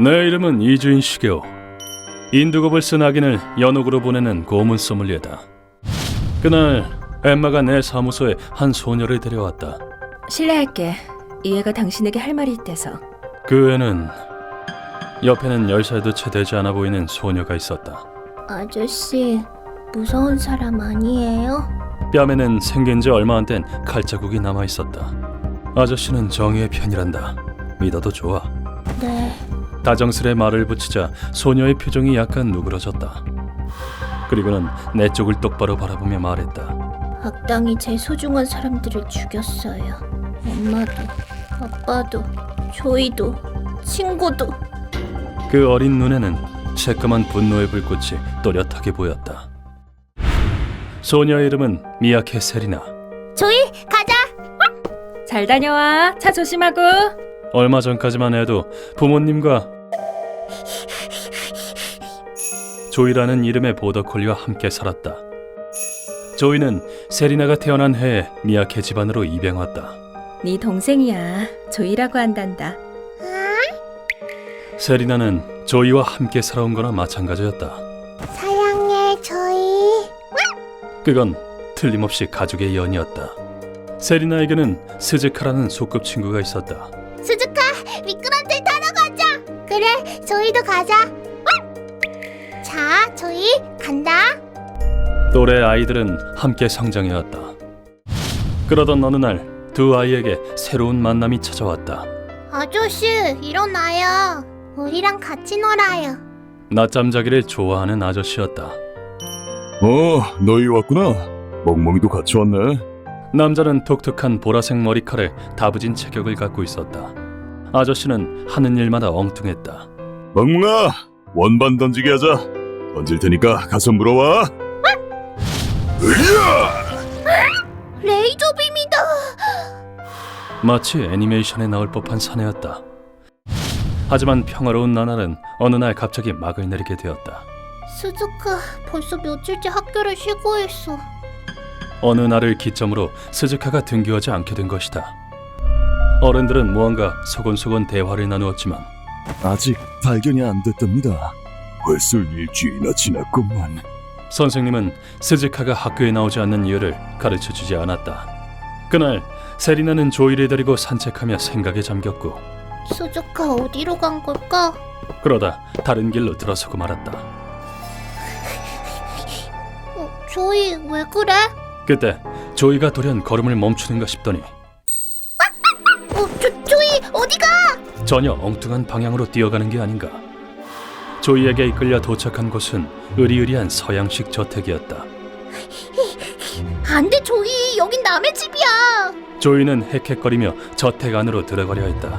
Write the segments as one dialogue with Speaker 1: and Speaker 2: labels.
Speaker 1: 내 이름은 이주인 시게오. 인두곱을 쓴 악인을 연옥으로 보내는 고문 소믈리에다. 그날 엠마가 내 사무소에 한 소녀를 데려왔다.
Speaker 2: 실례할게. 이 애가 당신에게 할 말이 있대서.
Speaker 1: 그 애는 옆에는 10살도 채 되지 않아 보이는 소녀가 있었다.
Speaker 3: 아저씨, 무서운 사람 아니에요?
Speaker 1: 뺨에는 생긴 지 얼마 안 된 칼자국이 남아 있었다. 아저씨는 정의의 편이란다. 믿어도 좋아.
Speaker 3: 네.
Speaker 1: 다정스레 말을 붙이자 소녀의 표정이 약간 누그러졌다. 그리고는 내 쪽을 똑바로 바라보며 말했다.
Speaker 3: 악당이 제 소중한 사람들을 죽였어요. 엄마도, 아빠도, 조이도, 친구도.
Speaker 1: 그 어린 눈에는 새까만 분노의 불꽃이 또렷하게 보였다. 소녀의 이름은 미야케 세리나.
Speaker 3: 조이, 가자!
Speaker 2: 잘 다녀와. 차 조심하고.
Speaker 1: 얼마 전까지만 해도 부모님과 조이라는 이름의 보더콜리와 함께 살았다. 조이는 세리나가 태어난 해에 미야케 집안으로 입양 왔다.
Speaker 2: 네 동생이야. 조이라고 한단다.
Speaker 1: 세리나는 조이와 함께 살아온 거나 마찬가지였다.
Speaker 3: 사랑해, 조이.
Speaker 1: 그건 틀림없이 가족의 연이었다. 세리나에게는 스즈카라는 소꿉친구가 있었다.
Speaker 3: 수즈카, 미끄럼틀 타러 가자. 그래, 조이도 가자. 자, 조이, 간다.
Speaker 1: 또래 아이들은 함께 성장해왔다. 그러던 어느 날 두 아이에게 새로운 만남이 찾아왔다.
Speaker 3: 아저씨, 일어나요. 우리랑 같이 놀아요.
Speaker 1: 낮잠 자기를 좋아하는 아저씨였다.
Speaker 4: 너희 왔구나. 멍멍이도 같이 왔네.
Speaker 1: 남자는 독특한 보라색 머리칼에 다부진 체격을 갖고 있었다. 아저씨는 하는 일마다 엉뚱했다.
Speaker 4: 멍멍아, 원반 던지기 하자. 던질 테니까 가서 물어와. 으랴!
Speaker 3: 레이저 빔이다.
Speaker 1: 마치 애니메이션에 나올 법한 사내였다. 하지만 평화로운 나날은 어느 날 갑자기 막을 내리게 되었다.
Speaker 3: 수즈카, 벌써 며칠째 학교를 쉬고 있어.
Speaker 1: 어느 날을 기점으로 스즈카가 등교하지 않게 된 것이다. 어른들은 무언가 소곤소곤 대화를 나누었지만
Speaker 4: 아직 발견이 안 됐답니다. 벌써 일주일이나 지났구만.
Speaker 1: 선생님은 스즈카가 학교에 나오지 않는 이유를 가르쳐주지 않았다. 그날 세리나는 조이를 데리고 산책하며 생각에 잠겼고
Speaker 3: 수즈카 어디로 간 걸까?
Speaker 1: 그러다 다른 길로 들어서고 말았다.
Speaker 3: 조이, 왜 그래?
Speaker 1: 그때 조이가 돌연 걸음을 멈추는가 싶더니
Speaker 3: 조이, 어디가?
Speaker 1: 전혀 엉뚱한 방향으로 뛰어가는 게 아닌가. 조이에게 이끌려 도착한 곳은 으리으리한 서양식 저택이었다.
Speaker 3: 안 돼, 조이. 여긴 남의 집이야.
Speaker 1: 조이는 헥헥거리며 저택 안으로 들어가려 했다.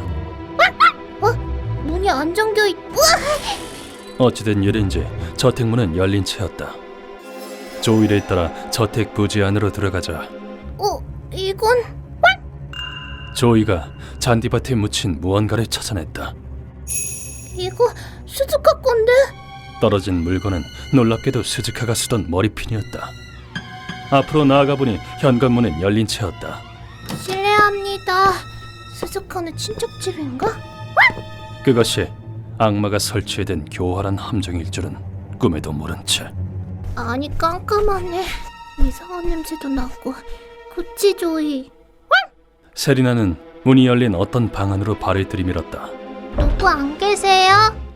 Speaker 3: 문이 안 잠겨 있...
Speaker 1: 어찌된 일인지 저택 문은 열린 채였다. 조이를 따라 저택 부지 안으로 들어가자
Speaker 3: 이건...
Speaker 1: 조이가 잔디밭에 묻힌 무언가를 찾아냈다.
Speaker 3: 이거 수즈카 건데?
Speaker 1: 떨어진 물건은 놀랍게도 스즈카가 쓰던 머리핀이었다. 앞으로 나아가 보니 현관문은 열린 채였다.
Speaker 3: 실례합니다. 수즈카네 친척집인가?
Speaker 1: 그것이 악마가 설치해둔 교활한 함정일 줄은 꿈에도 모른 채.
Speaker 3: 아니, 깜깜하네. 이상한 냄새도 나고. 그치, 조이?
Speaker 1: 세리나는 문이 열린 어떤 방 안으로 발을 들이밀었다.
Speaker 3: 누구 안 계세요?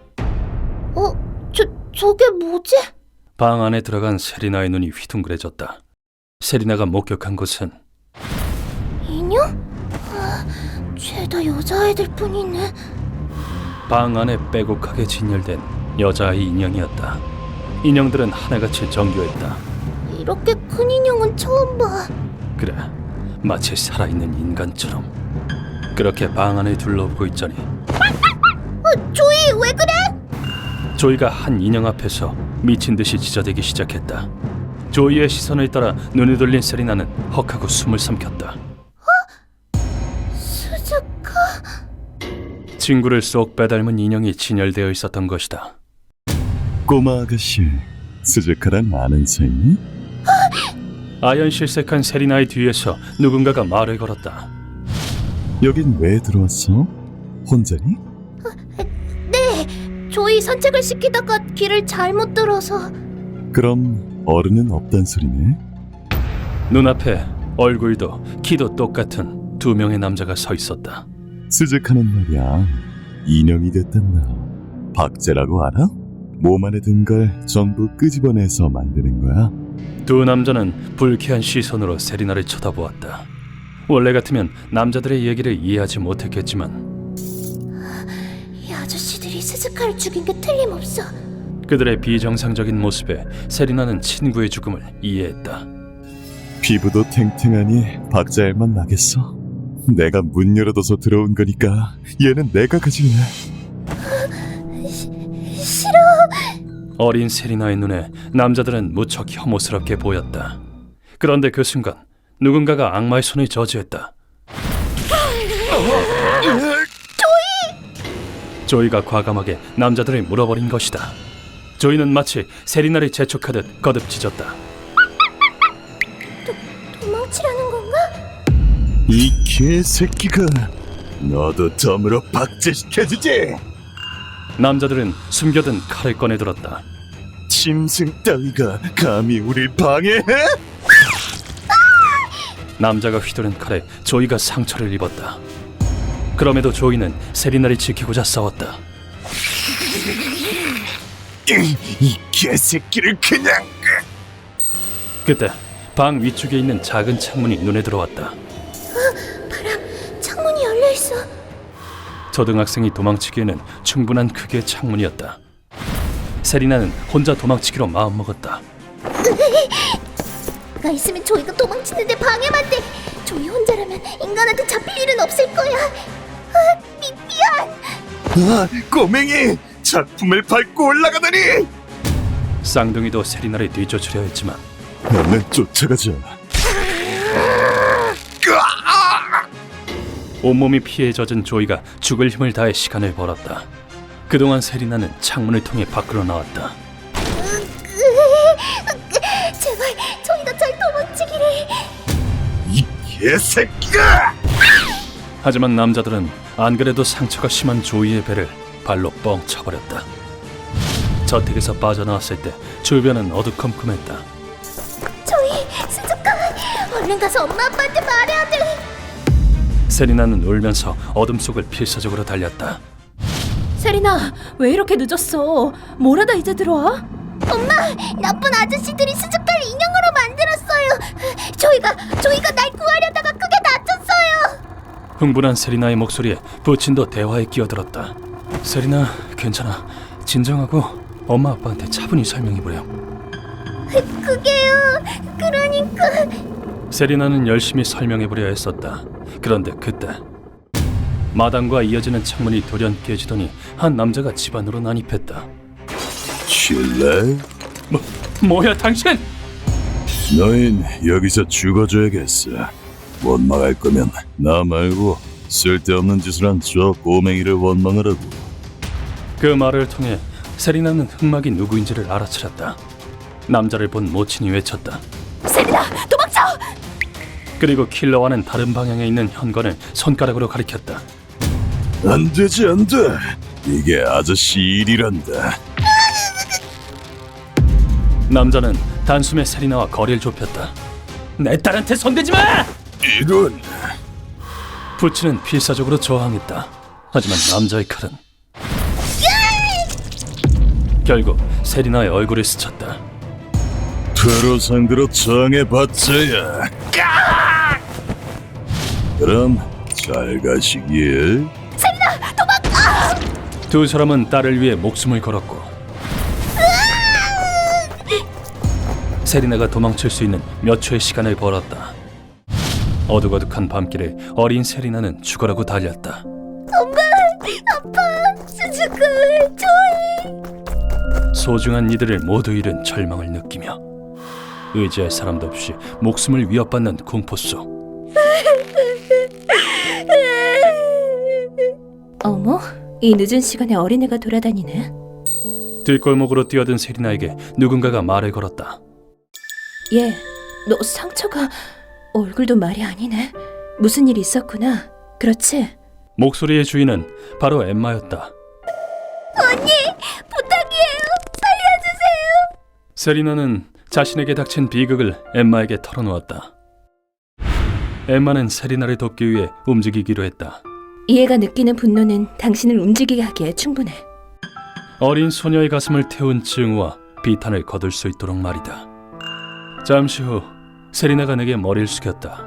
Speaker 3: 저게 뭐지?
Speaker 1: 방 안에 들어간 세리나의 눈이 휘둥그레졌다. 세리나가 목격한 곳은
Speaker 3: 인형? 죄다 여자아이들 뿐이네.
Speaker 1: 방 안에 빼곡하게 진열된 여자아이 인형이었다. 인형들은 하나같이 정교했다.
Speaker 3: 이렇게 큰 인형은 처음 봐.
Speaker 1: 그래, 마치 살아있는 인간처럼. 그렇게 방 안을 둘러보고 있자니
Speaker 3: 조이, 왜 그래?
Speaker 1: 조이가 한 인형 앞에서 미친 듯이 지저대기 시작했다. 조이의 시선을 따라 눈을 돌린 세리나는 헉하고 숨을 삼켰다.
Speaker 3: 수즈카...
Speaker 1: 친구를 쏙 빼닮은 인형이 진열되어 있었던 것이다.
Speaker 4: 꼬마 아가씨, 스즈카랑 아는 사이?
Speaker 1: 아연실색한 세리나의 뒤에서 누군가가 말을 걸었다.
Speaker 4: 여긴 왜 들어왔어? 혼자니?
Speaker 3: 네, 조이 산책을 시키다가 길을 잘못 들어서.
Speaker 4: 그럼 어른은 없단 소리네.
Speaker 1: 눈앞에 얼굴도 키도 똑같은 두 명의 남자가 서 있었다.
Speaker 4: 수직하는 말이야. 인형이 됐단 나. 박제라고 알아? 몸 안에 든 걸 전부 끄집어내서 만드는 거야.
Speaker 1: 두 남자는 불쾌한 시선으로 세리나를 쳐다보았다. 원래 같으면 남자들의 얘기를 이해하지 못했겠지만
Speaker 3: 이 아저씨들이 스즈카를 죽인 게 틀림없어.
Speaker 1: 그들의 비정상적인 모습에 세리나는 친구의 죽음을 이해했다.
Speaker 4: 피부도 탱탱하니 박자일만 나겠어. 내가 문 열어둬서 들어온 거니까 얘는 내가 가질래.
Speaker 3: 싫어.
Speaker 1: 어린 세리나의 눈에 남자들은 무척 혐오스럽게 보였다. 그런데 그 순간 누군가가 악마의 손을 저지했다. 조이가 과감하게 남자들을 물어버린 것이다. 조이는 마치 세리나를 재촉하듯 거듭 짖었다.
Speaker 3: 도망치라는 건가?
Speaker 4: 이 개새끼가 너도 덤으로 박제시켜주지.
Speaker 1: 남자들은 숨겨둔 칼을 꺼내들었다.
Speaker 4: 짐승 따위가 감히 우릴 방해해?
Speaker 1: 남자가 휘두른 칼에 조이가 상처를 입었다. 그럼에도 조이는 세리나를 지키고자 싸웠다.
Speaker 4: 이 개새끼를 그냥.
Speaker 1: 그때 방 위쪽에 있는 작은 창문이 눈에 들어왔다.
Speaker 3: 창문이 열려 있어.
Speaker 1: 초등학생이 도망치기에는 충분한 크기의 창문이었다. 세리나는 혼자 도망치기로 마음먹었다.
Speaker 3: 가 있으면 조이가 도망치는데 방해만 돼. 조이 혼자라면 인간한테 잡힐 일은 없을 거야. 미안.
Speaker 4: 아, 꼬맹이 작품을 밟고 올라가다니.
Speaker 1: 쌍둥이도 세리나를 뒤쫓으려 했지만
Speaker 4: 나는 쫓아가자.
Speaker 1: 온몸이 피에 젖은 조이가 죽을 힘을 다해 시간을 벌었다. 그동안 세리나는 창문을 통해 밖으로 나왔다.
Speaker 3: 제발 조이가 잘 도망치기를.
Speaker 4: 이 개새끼가!
Speaker 1: 하지만 남자들은 안 그래도 상처가 심한 조이의 배를 발로 뻥 쳐버렸다. 저택에서 빠져나왔을 때 주변은 어두컴컴했다.
Speaker 3: 조이, 스즈카, 얼른 가서 엄마 아빠한테 말해야 돼.
Speaker 1: 세리나는 울면서 어둠 속을 필사적으로 달렸다.
Speaker 2: 세리나, 왜 이렇게 늦었어? 뭐라다 이제 들어와?
Speaker 3: 엄마, 나쁜 아저씨들이 스즈카를 인형으로 만들었어요. 조이가 날 구하려다가 크게 다쳤어요.
Speaker 1: 흥분한 세리나의 목소리에 부친도 대화에 끼어들었다. 세리나, 괜찮아. 진정하고 엄마 아빠한테 차분히 설명해보렴.
Speaker 3: 그게요. 그러니까
Speaker 1: 세리나는 열심히 설명해보려 했었다. 그런데 그때 마당과 이어지는 창문이 돌연 깨지더니 한 남자가 집 안으로 난입했다.
Speaker 4: 실례?
Speaker 1: 뭐야 당신!
Speaker 4: 너흰 여기서 죽어줘야겠어. 원망할 거면 나 말고 쓸데없는 짓을 한 저 꼬맹이를 원망하라고.
Speaker 1: 그 말을 통해 세리나는 흑막이 누구인지를 알아차렸다. 남자를 본 모친이 외쳤다.
Speaker 2: 세리나, 도망쳐!
Speaker 1: 그리고 킬러와는 다른 방향에 있는 현관을 손가락으로 가리켰다.
Speaker 4: 안 되지, 안 돼. 이게 아저씨 일이란다.
Speaker 1: 남자는 단숨에 세리나와 거리를 좁혔다. 내 딸한테 손대지 마!
Speaker 4: 이런.
Speaker 1: 부친은 필사적으로 저항했다. 하지만 남자의 칼은 결국 세리나의 얼굴을 스쳤다.
Speaker 4: 프로 상대로 저항해봤자야. 그럼 잘 가시길.
Speaker 1: 두 사람은 딸을 위해 목숨을 걸었고 세리나가 도망칠 수 있는 몇 초의 시간을 벌었다. 어둑어둑한 밤길에 어린 세리나는 죽어라고 달렸다.
Speaker 3: 아빠, 스즈카, 조이.
Speaker 1: 소중한 이들을 모두 잃은 절망을 느끼며 의지할 사람도 없이 목숨을 위협받는 공포 속
Speaker 2: 어머, 이 늦은 시간에 어린애가 돌아다니네.
Speaker 1: 뒷골목으로 뛰어든 세리나에게 누군가가 말을 걸었다.
Speaker 2: 얘, 너 상처가... 얼굴도 말이 아니네. 무슨 일 있었구나. 그렇지?
Speaker 1: 목소리의 주인은 바로 엠마였다.
Speaker 3: 언니,
Speaker 1: 세리나는 자신에게 닥친 비극을 엠마에게 털어놓았다. 엠마는 세리나를 돕기 위해 움직이기로 했다.
Speaker 2: 얘가 느끼는 분노는 당신을 움직이게 하기에 충분해.
Speaker 1: 어린 소녀의 가슴을 태운 증오와 비탄을 거둘 수 있도록 말이다. 잠시 후 세리나가 내게 머리를 숙였다.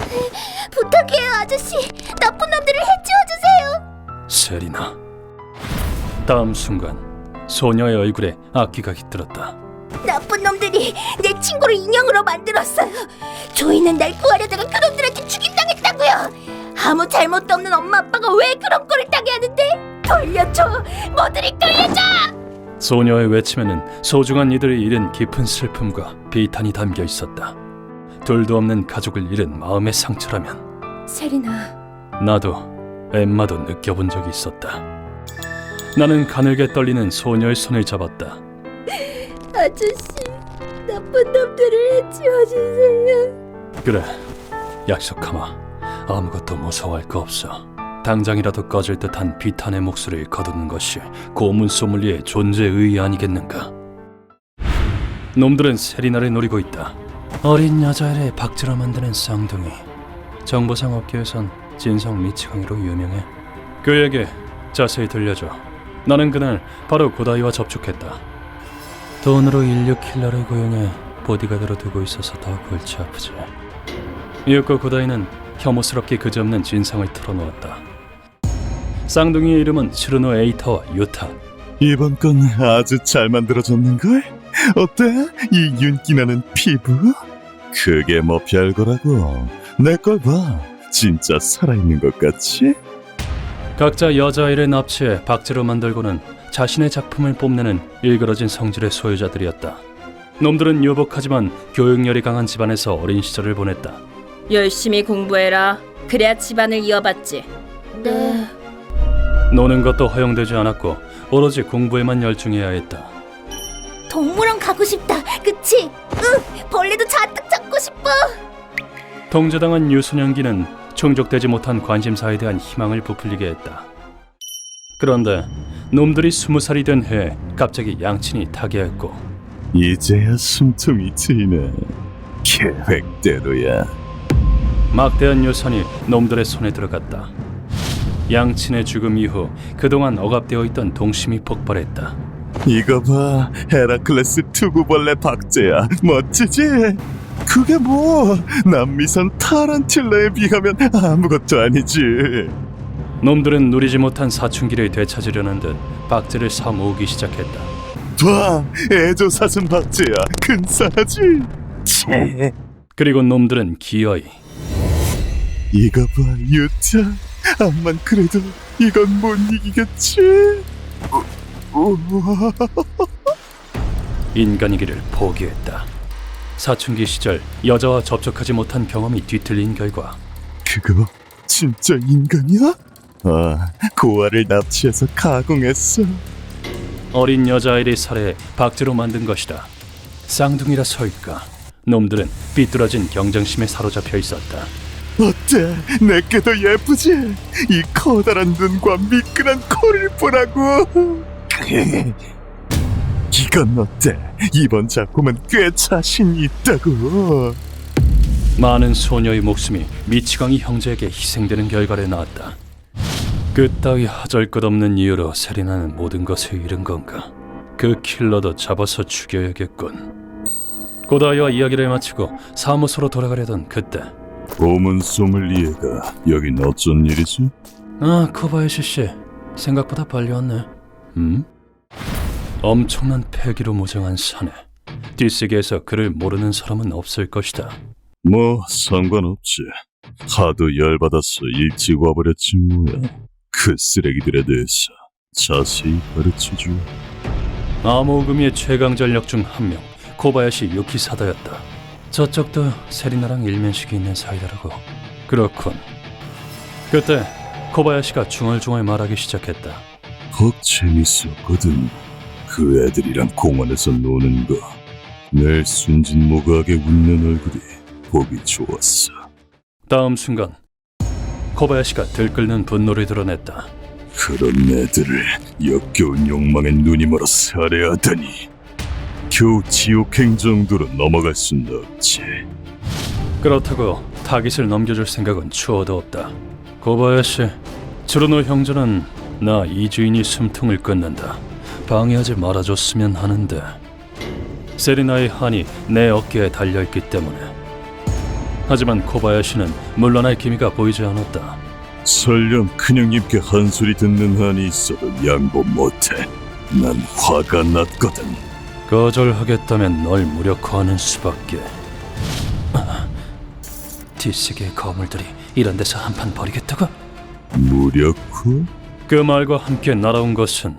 Speaker 3: 부탁해요, 아저씨. 나쁜 놈들을 해치워주세요.
Speaker 1: 세리나. 다음 순간 소녀의 얼굴에 악기가 깃들었다.
Speaker 3: 나쁜 놈들이 내 친구를 인형으로 만들었어요. 조이는 날 구하려다가 그놈들한테 죽임당했다고요. 아무 잘못도 없는 엄마 아빠가 왜 그런 꼴을 당해 하는데? 돌려줘! 뭐들이 돌려줘!
Speaker 1: 소녀의 외침에는 소중한 이들을 잃은 깊은 슬픔과 비탄이 담겨 있었다. 둘도 없는 가족을 잃은 마음의 상처라면
Speaker 2: 세리나,
Speaker 1: 나도 엠마도 느껴본 적이 있었다. 나는 가늘게 떨리는 소녀의 손을 잡았다.
Speaker 3: 아저씨, 나쁜 놈들을 해치워주세요.
Speaker 1: 그래, 약속하마. 아무것도 무서워할 거 없어. 당장이라도 꺼질 듯한 비탄의 목소리를 거두는 것이 고문 소믈리의 존재의 아니겠는가. 놈들은 세리나를 노리고 있다. 어린 여자애를 박제로 만드는 쌍둥이. 정보상 업계에선 진성 미치광이로 유명해. 그에게 자세히 들려줘. 나는 그날 바로 고다이와 접촉했다. 돈으로 인류 킬러를 고용해 보디가드로 두고 있어서 더 골치 아프지. 이윽고 고다이는 혐오스럽게 그지없는 진상을 털어놓았다. 쌍둥이의 이름은 츠르노 에이타와 유타.
Speaker 4: 이번 건 아주 잘 만들어졌는걸? 어때? 이 윤기나는 피부? 그게 뭐 별거라고. 내 걸 봐. 진짜 살아있는 것 같지?
Speaker 1: 각자 여자아이를 납치해 박제로 만들고는 자신의 작품을 뽐내는 일그러진 성질의 소유자들이었다. 놈들은 유복하지만 교육열이 강한 집안에서 어린 시절을 보냈다.
Speaker 2: 열심히 공부해라. 그래야 집안을 이어받지.
Speaker 3: 네.
Speaker 1: 노는 것도 허용되지 않았고 오로지 공부에만 열중해야 했다.
Speaker 3: 동물원 가고 싶다. 그치? 응. 벌레도 잔뜩 잡고 싶어.
Speaker 1: 통제당한 유소년기는 충족되지 못한 관심사에 대한 희망을 부풀리게 했다. 그런데 놈들이 20살이 된 해에 갑자기 양친이 타계했고
Speaker 4: 이제야 숨통이 트이네. 계획대로야.
Speaker 1: 막대한 유산이 놈들의 손에 들어갔다. 양친의 죽음 이후 그동안 억압되어 있던 동심이 폭발했다.
Speaker 4: 이거 봐. 헤라클레스 투구벌레 박제야. 멋지지? 그게 뭐 남미산 타란틸라에 비하면 아무것도 아니지.
Speaker 1: 놈들은 누리지 못한 사춘기를 되찾으려는 듯 박제를 사모으기 시작했다.
Speaker 4: 봐. 애조사슴 박제야. 근사하지? 치.
Speaker 1: 그리고 놈들은 기어이
Speaker 4: 이거 봐 유타. 암만 그래도 이건 못 이기겠지. 우와.
Speaker 1: 인간이기를 포기했다. 사춘기 시절 여자와 접촉하지 못한 경험이 뒤틀린 결과
Speaker 4: 그거 진짜 인간이야? 아, 고아를 납치해서 가공했어.
Speaker 1: 어린 여자아이를 살해 박제로 만든 것이다. 쌍둥이라서일까 놈들은 삐뚤어진 경쟁심에 사로잡혀 있었다.
Speaker 4: 어때? 내게 더 예쁘지? 이 커다란 눈과 미끈한 코를 보라고. 이건 어때? 이번 작품은 꽤 자신이 있다고.
Speaker 1: 많은 소녀의 목숨이 미치광이 형제에게 희생되는 결과를 낳았다. 그따위 하잘것없는 이유로 세리나는 모든 것을 잃은 건가? 그 킬러도 잡아서 죽여야겠군. 고다이와 이야기를 마치고 사무소로 돌아가려던 그때
Speaker 4: 고문 소믈리에가 여긴 어쩐 일이지?
Speaker 1: 아, 코바야시 씨. 생각보다 빨리 왔네. 엄청난 패기로 무장한 사내. 뒷세계에서 그를 모르는 사람은 없을 것이다.
Speaker 4: 뭐 상관없지. 하도 열받아서 일찍 와버렸지 뭐야. 그 쓰레기들에 대해서 자세히 가르쳐줘.
Speaker 1: 암호금의 최강 전력 중 한 명, 코바야시 유키사다였다. 저쪽도 세리나랑 일면식이 있는 사이다라고. 그렇군. 그때 코바야시가 중얼중얼 말하기 시작했다.
Speaker 4: 헉 재밌었거든. 그 애들이랑 공원에서 노는 거. 늘 순진무구하게 웃는 얼굴이 보기 좋았어.
Speaker 1: 다음 순간 코바야시가 들끓는 분노를 드러냈다.
Speaker 4: 그런 애들을 역겨운 욕망에 눈이 멀어 살해하다니. 겨우 지옥행 정도로 넘어갈 순 없지.
Speaker 1: 그렇다고 타깃을 넘겨줄 생각은 추워도 없다. 고바야시, 츠루노 형제는 나 이주인이 숨통을 끊는다. 방해하지 말아줬으면 하는데. 세리나의 한이 내 어깨에 달려있기 때문에. 하지만 코바야시는 물러날 기미가 보이지 않았다.
Speaker 4: 설령 큰형님께 한 소리 듣는 한이 있어도 양보 못해. 난 화가 났거든.
Speaker 1: 거절하겠다면 널 무력화하는 수밖에. 뒷세계의 거물들이 이런 데서 한판 벌이겠다고?
Speaker 4: 무력후?
Speaker 1: 그 말과 함께 날아온 것은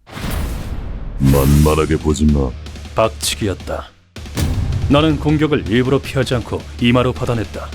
Speaker 4: 만만하게 보지 마.
Speaker 1: 박치기였다. 나는 공격을 일부러 피하지 않고 이마로 받아냈다.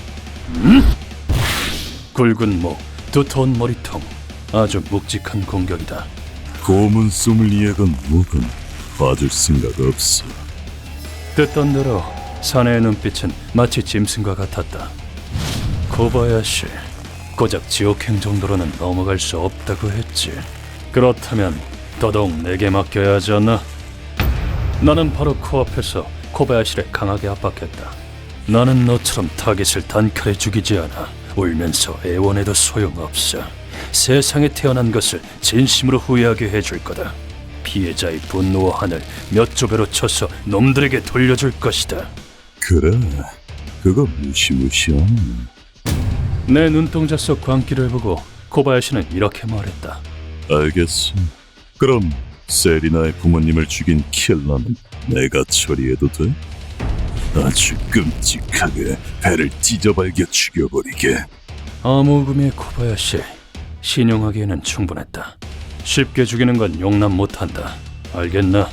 Speaker 1: 굵은 목, 두터운 머리통, 아주 묵직한 공격이다.
Speaker 4: 고문 소믈리에가 뭐건 봐줄 생각 없어.
Speaker 1: 듣던 대로 사내의 눈빛은 마치 짐승과 같았다. 코바야시, 고작 지옥행 정도로는 넘어갈 수 없다고 했지. 그렇다면 더더욱 내게 맡겨야 하지 않나? 나는 바로 코앞에서 코바야시를 강하게 압박했다. 나는 너처럼 타깃을 단칼에 죽이지 않아. 울면서 애원해도 소용없어. 세상에 태어난 것을 진심으로 후회하게 해줄 거다. 피해자의 분노와 한을 몇 조배로 쳐서 놈들에게 돌려줄 것이다.
Speaker 4: 그래, 그거 무시무시하네.
Speaker 1: 내 눈동자 속 광기를 보고 코바야시는 이렇게 말했다.
Speaker 4: 알겠어. 그럼 세리나의 부모님을 죽인 킬러는 내가 처리해도 돼? 아주 끔찍하게 배를 찢어발겨 죽여버리게.
Speaker 1: 암호금의 코바야시, 신용하기에는 충분했다. 쉽게 죽이는 건 용납 못한다. 알겠나?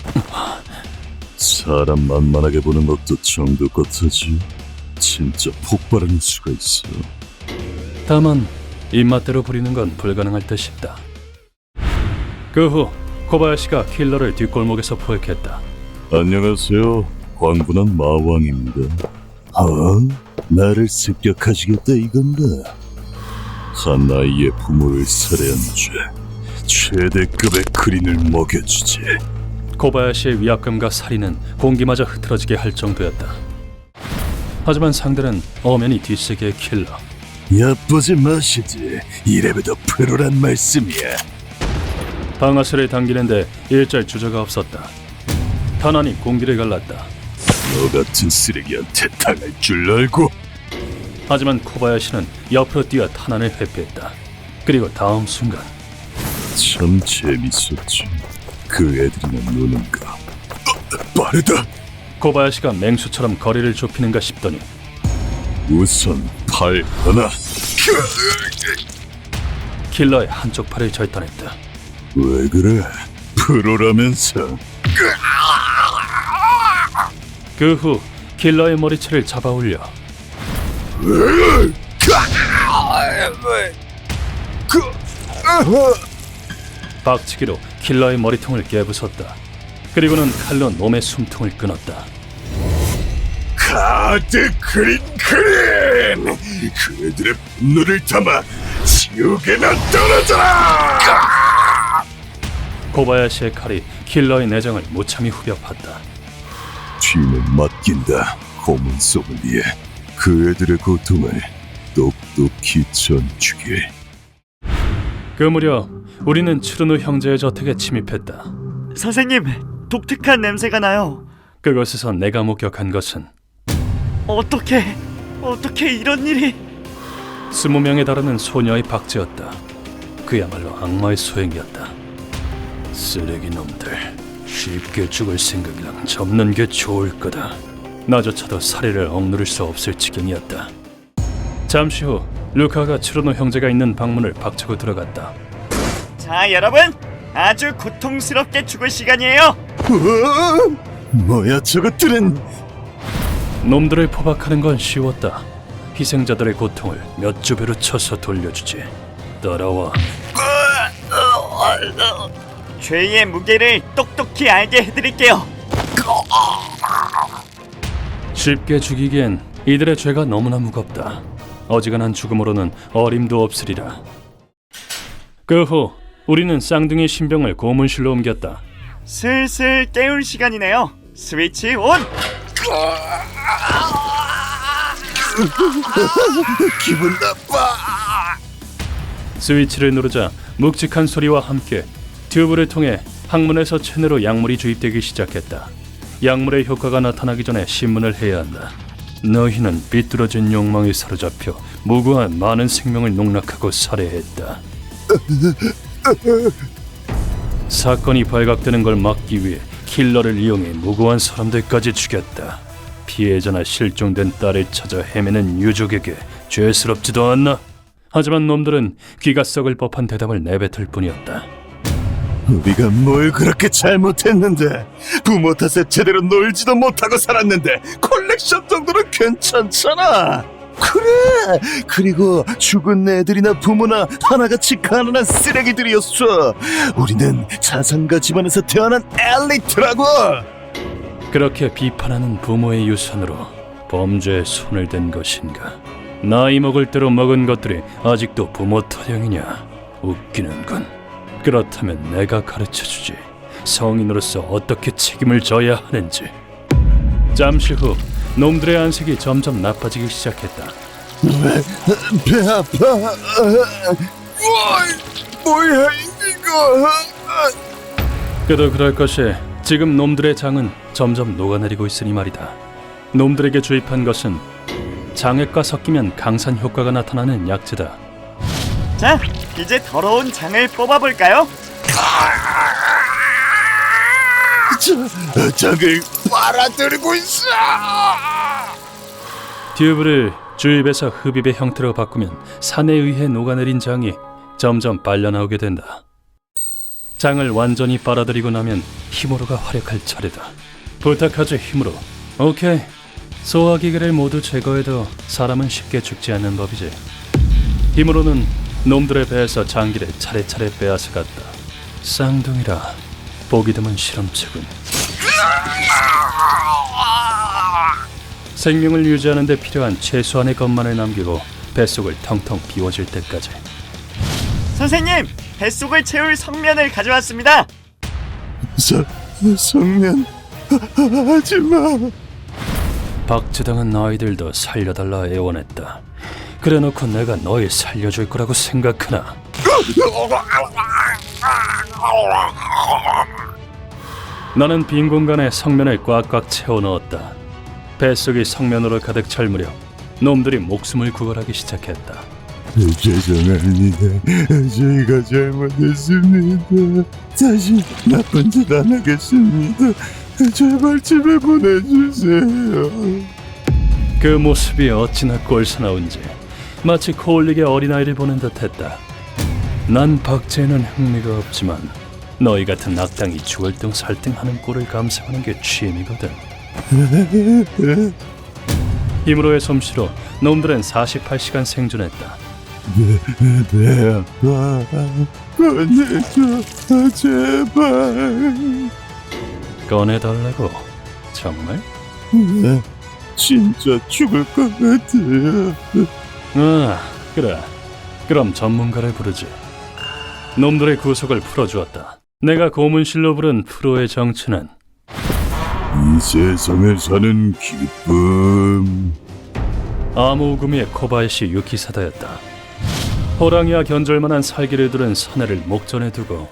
Speaker 4: 사람 만만하게 보는 것도 정도껏 하지. 진짜 폭발하는 수가 있어.
Speaker 1: 다만 입맛대로 부리는 건 불가능할 듯 싶다. 그 후 코바야시가 킬러를 뒷골목에서 포획했다.
Speaker 4: 안녕하세요. 광분한 마왕입니다. 나를 습격하시겠다 이건가? 한 아이의 부모를 살해한 죄, 최대급의 크린을 먹여주지.
Speaker 1: 코바야시의 위압감과 살인은 공기마저 흐트러지게 할 정도였다. 하지만 상대는 엄연히 뒷세계의 킬러.
Speaker 4: 얕보지 마시지. 이래봬도 프로란 말씀이야.
Speaker 1: 방아쇠를 당기는데 일절 주저가 없었다. 탄환이 공기를 갈랐다.
Speaker 4: 너 같은 쓰레기한테 당할 줄 알고.
Speaker 1: 하지만 코바야시는 옆으로 뛰어 탄환을 회피했다. 그리고 다음 순간
Speaker 4: 참 재밌었지. 그 애들이나 노는 거. 빠르다.
Speaker 1: 코바야시가 맹수처럼 거리를 좁히는가 싶더니
Speaker 4: 우선 팔 하나.
Speaker 1: 킬러의 한쪽 팔을 절단했다.
Speaker 4: 왜 그래? 프로라면서.
Speaker 1: 그 후 킬러의 머리채를 잡아 올려 박치기로 킬러의 머리통을 깨부쉈다. 그리고는 칼로 놈의 숨통을 끊었다.
Speaker 4: 카드 그린 그들의 분노를 담아 지옥에나 떨어져라.
Speaker 1: 코바야시의 칼이 킬러의 내장을 무참히 후벼 팠다.
Speaker 4: 뒤는 맡긴다. 고문 소믈리에. 그 애들의 고통을 똑똑히 전주길.
Speaker 1: 그 무렵 우리는 츠루노 형제의 저택에 침입했다.
Speaker 5: 선생님, 독특한 냄새가 나요.
Speaker 1: 그곳에서 내가 목격한 것은
Speaker 5: 어떻게 이런 일이?
Speaker 1: 20명에 달하는 소녀의 박제였다. 그야말로 악마의 소행이었다. 쓰레기 놈들, 쉽게 죽을 생각이랑 접는 게 좋을 거다. 나조차도 살해를 억누를 수 없을 지경이었다. 잠시 후 루카가 츠루노 형제가 있는 방문을 박차고 들어갔다.
Speaker 5: 자, 여러분, 아주 고통스럽게 죽을 시간이에요.
Speaker 4: 뭐야 저것들은?
Speaker 1: 놈들을 포박하는 건 쉬웠다. 희생자들의 고통을 몇 주배로 쳐서 돌려주지. 따라와.
Speaker 5: 죄의 무게를 똑똑히 알게 해드릴게요.
Speaker 1: 쉽게 죽이기엔 이들의 죄가 너무나 무겁다. 어지간한 죽음으로는 어림도 없으리라. 그 후 우리는 쌍둥이 신병을 고문실로 옮겼다.
Speaker 5: 슬슬 깨울 시간이네요. 스위치 온!
Speaker 4: 기분 나빠.
Speaker 1: 스위치를 누르자 묵직한 소리와 함께 튜브를 통해 항문에서 체내로 약물이 주입되기 시작했다. 약물의 효과가 나타나기 전에 심문을 해야 한다. 너희는 비뚤어진 욕망에 사로잡혀 무고한 많은 생명을 농락하고 살해했다. 사건이 발각되는 걸 막기 위해 킬러를 이용해 무고한 사람들까지 죽였다. 피해자나 실종된 딸을 찾아 헤매는 유족에게 죄스럽지도 않나? 하지만 놈들은 귀가 썩을 법한 대답을 내뱉을 뿐이었다.
Speaker 4: 우리가 뭘 그렇게 잘못했는데, 부모 탓에 제대로 놀지도 못하고 살았는데 컬렉션 정도는 괜찮잖아. 그래. 그리고 죽은 애들이나 부모나 하나같이 가난한 쓰레기들이었어. 우리는 자산가 집안에서 태어난 엘리트라고.
Speaker 1: 그렇게 비판하는 부모의 유산으로 범죄에 손을 댄 것인가? 나이 먹을 대로 먹은 것들이 아직도 부모 타령이냐? 웃기는군. 그렇다면 내가 가르쳐주지. 성인으로서 어떻게 책임을 져야 하는지. 잠시 후 놈들의 안색이 점점 나빠지기 시작했다.
Speaker 4: 배 아파. 뭐야 이거.
Speaker 1: 그도 그럴 것이 지금 놈들의 장은 점점 녹아내리고 있으니 말이다. 놈들에게 주입한 것은 장액과 섞이면 강산 효과가 나타나는 약재다.
Speaker 5: 자, 이제 더러운 장을 뽑아볼까요?
Speaker 4: 장을 빨아들이고 있어.
Speaker 1: 튜브를 주입에서 흡입의 형태로 바꾸면 산에 의해 녹아내린 장이 점점 빨려나오게 된다. 장을 완전히 빨아들이고 나면 힘으로가 활약할 차례다. 부탁하지, 힘으로. 오케이. 소화기계를 모두 제거해도 사람은 쉽게 죽지 않는 법이지. 힘으로는 놈들의 배에서 장기를 차례차례 빼앗아갔다. 쌍둥이라 보기 드문 실험체군. 생명을 유지하는 데 필요한 최소한의 것만을 남기고 뱃속을 텅텅 비워질 때까지.
Speaker 5: 선생님, 뱃속을 채울 성면을 가져왔습니다.
Speaker 4: 성면 하지마.
Speaker 1: 박제당한 아이들도 살려달라 애원했다. 그래놓고 내가 너희 살려줄 거라고 생각하나? 나는 빈 공간에 성면을 꽉꽉 채워 넣었다. 뱃속이 성면으로 가득 찰 무렵 놈들이 목숨을 구걸하기 시작했다.
Speaker 4: 죄송합니다. 저희가 잘못했습니다. 다시 나쁜 짓 안 하겠습니다. 제발 집에 보내주세요.
Speaker 1: 그 모습이 어찌나 꼴사나운지 마치 코올리게 어린아이를 보는 듯했다. 난 박제에는 흥미가 없지만 너희 같은 악당이 죽을 등 살등하는 꼴을 감상하는 게 취미거든. 힘으로의 솜씨로 놈들은 48시간 생존했다.
Speaker 4: 배 아파. 꺼내줘. 제발.
Speaker 1: 꺼내달라고? 정말?
Speaker 4: 진짜 죽을 것 같아요.
Speaker 1: 아, 그래. 그럼 전문가를 부르지. 놈들의 구속을 풀어주었다. 내가 고문실로 부른 프로의 정체는
Speaker 4: 이 세상을 사는 기쁨.
Speaker 1: 아무우구미의 코바야시 유키사다였다. 호랑이와 견줄만한 살기를 두른 사내를 목전에 두고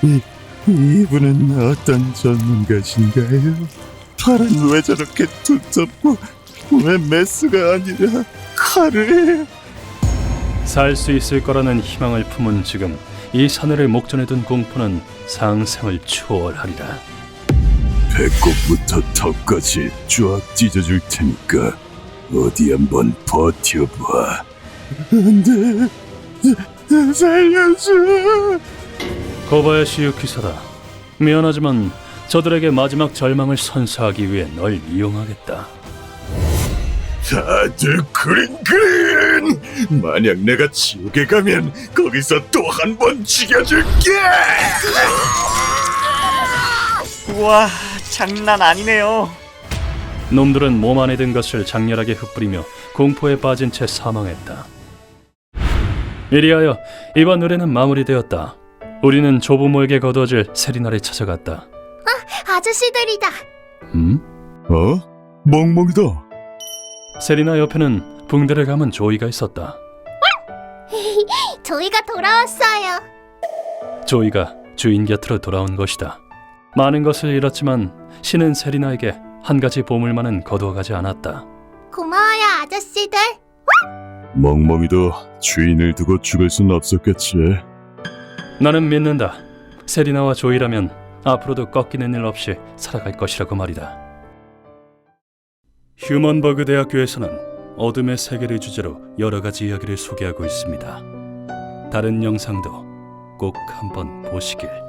Speaker 4: 이분은 어떤 전문가신가요? 팔은 왜 저렇게 두텁고 왜 메스가 아니라 칼을?
Speaker 1: 살 수 있을 거라는 희망을 품은 지금 이 사내를 목전에 둔 공포는 상상을 초월하리라.
Speaker 4: 배꼽부터 턱까지 쫙 찢어줄 테니까 어디 한번 버텨봐. 안돼, 살려줘.
Speaker 1: 코바야시 유키사다. 미안하지만 저들에게 마지막 절망을 선사하기 위해 널 이용하겠다.
Speaker 4: 다들 그린. 만약 내가 지옥에 가면 거기서 또 한 번 죽여줄게.
Speaker 5: 우와, 장난 아니네요.
Speaker 1: 놈들은 몸 안에 든 것을 장렬하게 흩뿌리며 공포에 빠진 채 사망했다. 이리하여 이번 의뢰는 마무리되었다. 우리는 조부모에게 거두어질 세리나를 찾아갔다.
Speaker 3: 아저씨들이다.
Speaker 4: 멍멍이다.
Speaker 1: 세리나 옆에는 붕대를 감은 조이가 있었다.
Speaker 3: 조이가 돌아왔어요.
Speaker 1: 조이가 주인 곁으로 돌아온 것이다. 많은 것을 잃었지만 신은 세리나에게 한 가지 보물만은 거두어가지 않았다.
Speaker 3: 고마워요, 아저씨들.
Speaker 4: 멍멍이도 주인을 두고 죽을 순 없었겠지.
Speaker 1: 나는 믿는다. 세리나와 조이라면 앞으로도 꺾이는 일 없이 살아갈 것이라고 말이다. 휴먼버그 대학교에서는 어둠의 세계를 주제로 여러 가지 이야기를 소개하고 있습니다. 다른 영상도 꼭 한번 보시길.